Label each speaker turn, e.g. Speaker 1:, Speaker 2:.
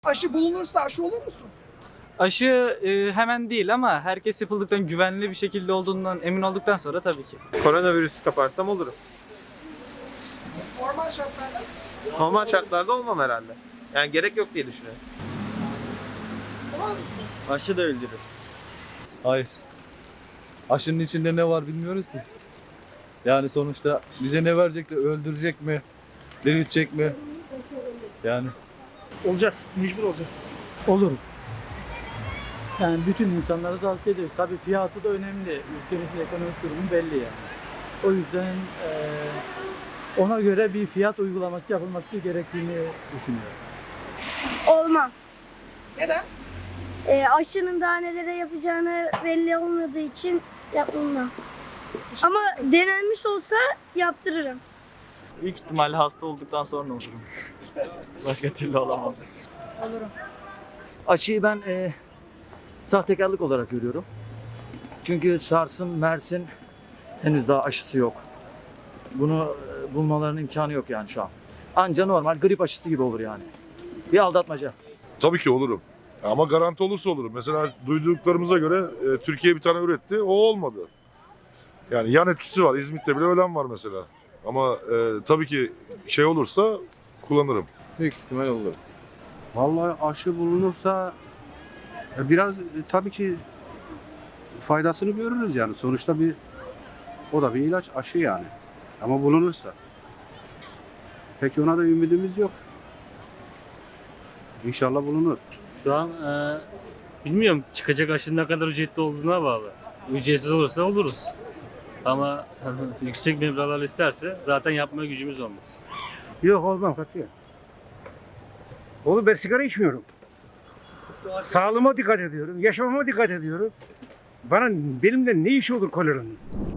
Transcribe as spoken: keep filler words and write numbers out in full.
Speaker 1: Aşı bulunursa aşı olur musun?
Speaker 2: Aşı e, hemen değil ama herkes yapıldıktan güvenli bir şekilde olduğundan emin olduktan sonra tabii ki.
Speaker 3: Koronavirüsü kaparsam olurum.
Speaker 1: Normal şartlarda
Speaker 3: Normal şartlarda olmam herhalde. Yani gerek yok diye düşünüyorum.
Speaker 1: olamaz mısınız?
Speaker 4: Aşı da öldürür. Hayır. Aşının içinde ne var bilmiyoruz ki. Yani sonuçta bize ne verecek de öldürecek mi? Diriltecek mi? Yani.
Speaker 5: Olacağız, mecbur olacağız.
Speaker 6: Olur. Yani bütün insanlara tavsiye ederiz. Tabii fiyatı da önemli. Ülkemizin ekonomik durumu belli yani. O yüzden eee, ona göre bir fiyat uygulaması yapılması gerektiğini düşünüyorum.
Speaker 7: Olmam.
Speaker 1: Neden?
Speaker 7: E, aşının daha nelere yapacağını belli olmadığı için yapmam. Ama denenmiş olsa yaptırırım.
Speaker 2: Büyük ihtimalle hasta olduktan sonra olurum. Başka türlü olamam.
Speaker 8: Aşıyı ben e, sahtekarlık olarak görüyorum. Çünkü SARS'ın, MERS'in henüz daha aşısı yok. Bunu e, bulmalarının imkanı yok yani şu an. Anca normal grip aşısı gibi olur yani. Bir aldatmaca.
Speaker 9: Tabii ki olurum. Ama garanti olursa olurum. Mesela duyduklarımıza göre e, Türkiye bir tane üretti, o olmadı. Yani yan etkisi var. İzmit'te bile ölen var mesela. Ama e, tabii ki şey olursa kullanırım.
Speaker 10: Büyük ihtimal olur. Vallahi aşı bulunursa e, biraz e, tabii ki faydasını görürüz yani. Sonuçta bir o da bir ilaç, aşı yani. Ama bulunursa. Peki ona da ümidimiz yok. İnşallah bulunur.
Speaker 5: Şu an e, bilmiyorum çıkacak aşının ne kadar ücretli olduğuna bağlı. Ücretsiz olursa oluruz. Ama yüksek meblağlar isterse zaten yapmaya gücümüz olmaz.
Speaker 6: Yok olmam katıyor. Oğlum ben sigara içmiyorum. Sağlığıma dikkat ediyorum, yaşamama dikkat ediyorum. Bana benimle ne işi olur koleranın?